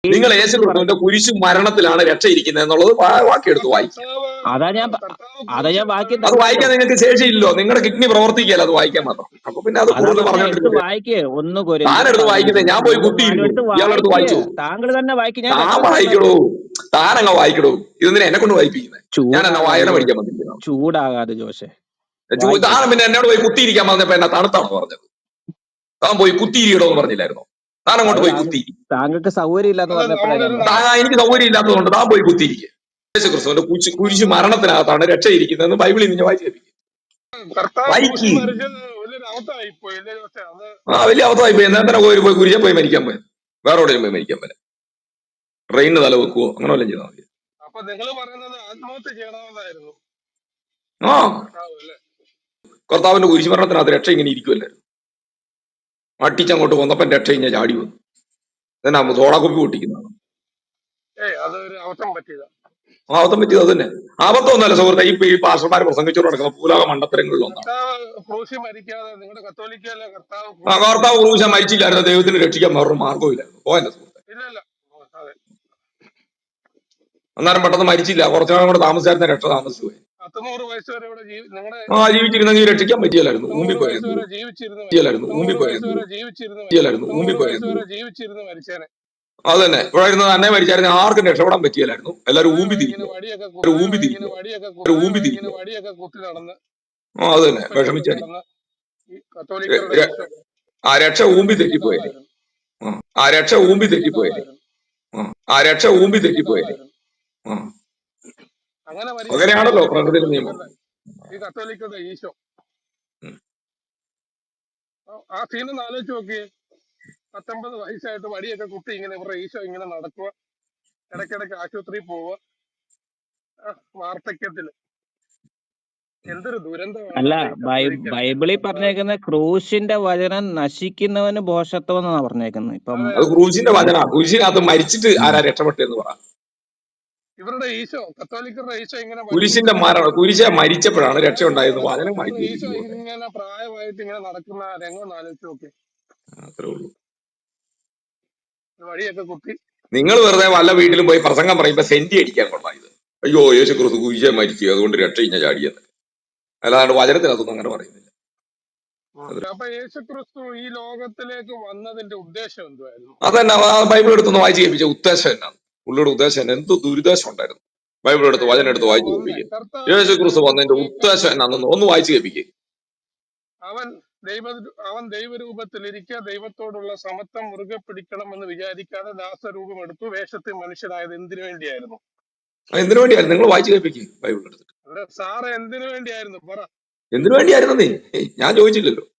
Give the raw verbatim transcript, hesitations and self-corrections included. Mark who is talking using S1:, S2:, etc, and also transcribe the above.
S1: നിങ്ങൾ
S2: യേശു
S1: യേശു
S2: ക്രിസ്തു പറ
S1: ക്രിസ്തുവിന്റെ കുരിശു മരണത്തിലാണ് രക്ഷയിരിക്കുന്നത് എന്നുള്ളത് വാ- വാക്കിയെടുത്ത് വായിക്കുക.
S2: അതാ ഞാൻ പ- അതാ ഞാൻ വാക്യം
S1: അത്
S2: തന്നല്ലോ.
S1: വായിക്കാൻ നിങ്ങൾക്ക് ശേഷിയില്ലോ, നിങ്ങളുടെ കിഡ്നി പ്രവർത്തിക്കുകയല്ല അത് വായിക്കാൻ മാത്രം. അപ്പൊ പിന്നെ അത്
S2: അതാ
S1: കൂടുതൽ
S2: പറഞ്ഞ എടുത്ത്
S1: പറഞ്ഞോണ്ടിരിക്കുക.
S2: വായിക്കേ. ഒന്ന് കൊരിന്ത്യർ
S1: താനെടുത്ത് വായിക്കുന്നത്
S2: പതിനഞ്ച്
S1: ഞാൻ പോയി
S2: മൂന്നും നാലും
S1: കുത്തിയിരിക്കൂ,
S2: എടുത്ത്
S1: ഇയാളെടുത്ത്
S2: വായിക്കേ.
S1: വായിച്ചു.
S2: താങ്കൾ തന്നെ വായിക്കും. ഞാൻ
S1: താൻ
S2: റെഫറൻസ്
S1: വായിക്കടൂ,
S2: ഉണ്ടാക്കാം.
S1: താനങ്ങ വായിക്കടൂ. ഇതെന്തിനാ എന്നെ കൊണ്ട് വായിപ്പിക്കുന്നത്? ഞാൻ എന്നാ
S2: ചൂടാകാതെ
S1: വായന
S2: ജോ
S1: പഠിക്കാൻ വന്നിരിക്കുന്നു.
S2: ചൂടാകാതെ ജോഷെ
S1: ചൂ-
S2: വായിക്കേ.
S1: താൻ പിന്നെ എന്നോട് പോയി കുത്തിയിരിക്കാൻ പറഞ്ഞപ്പോ എന്നാ തണുത്താണോ പറഞ്ഞത്? താൻ പോയി കുത്തിയിരിക്കടോ എന്ന് പറഞ്ഞില്ലായിരുന്നോ? താൻ
S2: അത്
S1: അങ്ങോട്ട് പോയി
S2: താങ്കൾ
S1: കുത്തിയിരിക്കും.
S2: താങ്കൾക്ക് സൗകര്യം ഇല്ലാന്ന് പറഞ്ഞപ്പോഴാ ഞാൻ
S1: താ
S2: പറഞ്ഞത്.
S1: എനിക്ക് സൗകര്യം ഇല്ലാത്തതുകൊണ്ട് താൻ പോയി കുത്തിയിരിക്കുക. യേശു ക്രിസ്തുവിന്റെ കുരിശ് കുരിശു മരണത്തിനകത്താണ് രക്ഷയിരിക്കുന്നതെന്ന് ബൈബിളിൽ നിന്ന് വായിച്ചു വായിക്ക്. ആ വലിയ അവസ്ഥയായി പോയി. എന്നാ പോയി പോയി കുരിശെ പോയി മരിക്കാൻ പോയത്? വേറെ എവിടെയും പോയി മരിക്കാൻ പോലെ ട്രെയിനിന് തല വെക്കുവോ അങ്ങനെ വല്ലതും ചെയ്താൽ മതി. ആ കർത്താവിന്റെ കുരിശു മരണത്തിനകത്ത് രക്ഷ ഇങ്ങനെ ഇരിക്കുമല്ലായിരുന്നു. അട്ടിച്ചങ്ങോട്ട് വന്നപ്പം രക്ഷ ഇങ്ങനെ ചാടി വന്നു. എന്നാ സോഡാക്കുപ്പി പൊട്ടിക്കുന്നതാണ് ആ അബദ്ധം പറ്റിയത്. അത് തന്നെ അബദ്ധം ഒന്നുമല്ല സുഹൃത്തെ. ഇപ്പൊ ഈ പാസ്റ്റർമാർ പ്രസംഗിച്ചോട് നടക്കുന്ന പൂലാക മണ്ടത്തരങ്ങളിലൊന്നാണ്. ആ കർത്താവ് ക്രൂശ മരിച്ചില്ലായിരുന്നു, ദൈവത്തിന് രക്ഷിക്കാൻ വേറൊരു മാർഗവും ഇല്ലായിരുന്നു. പോയല്ലേ സുഹൃത്തെ? അന്നേരം പെട്ടെന്ന് മരിച്ചില്ല, കുറച്ചു നാളും കൂടെ താമസിച്ചായിരുന്നു, രക്ഷ താമസിച്ചു പോയി. ആ ജീവിച്ചിരുന്നെങ്കിൽ രക്ഷിക്കാൻ പറ്റിയല്ലായിരുന്നു, ഊമ്പി പോയായിരുന്നു പറ്റിയല്ലായിരുന്നു ഊമ്പി പോയായിരുന്നു പറ്റിയല്ലായിരുന്നു ഊമ്പി പോയായിരുന്നു അത് തന്നെ. ഇവിടെ ഇരുന്ന് തന്നെ മരിച്ചായിരുന്നു, ആർക്കും രക്ഷപ്പെടാൻ പറ്റിയല്ലായിരുന്നു. എല്ലാവരും ഊമ്പി തിരിക്കുക, ഒരു ഊമ്പി തിരിക്കുക, ഒരു ഊമ്പി തിരിക്കുക. ആ അത് തന്നെ വിഷമിച്ചടി. ആ രക്ഷ ഊമ്പി തെറ്റിപ്പോയല്ലേ. ആ ആ രക്ഷ ഊമ്പി തെറ്റിപ്പോയല്ലേ. ആ ആ രക്ഷ ഊമ്പി തെറ്റിപ്പോയല്ലേ. ആ അങ്ങനെയാണല്ലോ പ്രകൃതിയുടെ നിയമം. ഉം.
S2: അല്ല ബൈ ബൈബിളിൽ പറഞ്ഞേക്കുന്ന ക്രൂശിന്റെ വചനം നശിക്കുന്നവന് ഭോഷത്വം എന്നാ പറഞ്ഞേക്കുന്നത്. ഇപ്പം
S1: അത് ക്രൂശിന്റെ വചന. ക്രൂശിനകത്ത് മരിച്ചിട്ട് ആരാ രക്ഷപ്പെട്ടെന്ന് പറ. കുരിശിന്റെ മരണം, കുരിശ മരിച്ചപ്പോഴാണ് രക്ഷ ഉണ്ടായെന്ന് വചനം മാറ്റി വെച്ചിരിക്കുന്നു. അത്രേ ഉള്ളൂ. നിങ്ങൾ വെറുതെ വല്ല വീട്ടിലും പോയി പ്രസംഗം പറയുമ്പോ സെന്റി അടിക്കാൻ കൊള്ളാം ഇത്. അയ്യോ യേശു ക്രിസ്തു കുരിശ മരിച്ചു അതുകൊണ്ട് രക്ഷ ഇഞ്ഞ ചാടിയെന്ന്. അല്ലാണ്ട് വചനത്തിനകത്തൊന്നും അങ്ങനെ പറയുന്നില്ല. അതന്നെ ബൈബിൾ എടുത്തൊന്ന് വായിച്ച് കേൾപ്പിച്ച ഉദ്ദേശം എന്നാണ്, പുള്ളിയുടെ ഉദ്ദേശം എന്നാ, എന്ത് ദുരുദ്ദേശം ഉണ്ടായിരുന്നു. ബൈബിൾ എടുത്ത് വചനം എടുത്ത് വായിച്ച് കേൾപ്പിക്കുക. യേശു ക്രിസ്തു വന്നതിന്റെ ഉദ്ദേശം എന്നാണെന്ന് ഒന്ന് വായിച്ച് കേൾപ്പിക്കുക. എന്തിനു വേണ്ടിയായിരുന്നു നിങ്ങൾ വായിച്ച് കേൾപ്പിക്കുക ബൈബിൾ എടുത്തിട്ട്? എന്തിനു വേണ്ടിയായിരുന്നു നീ? ഞാൻ ചോദിച്ചില്ലല്ലോ.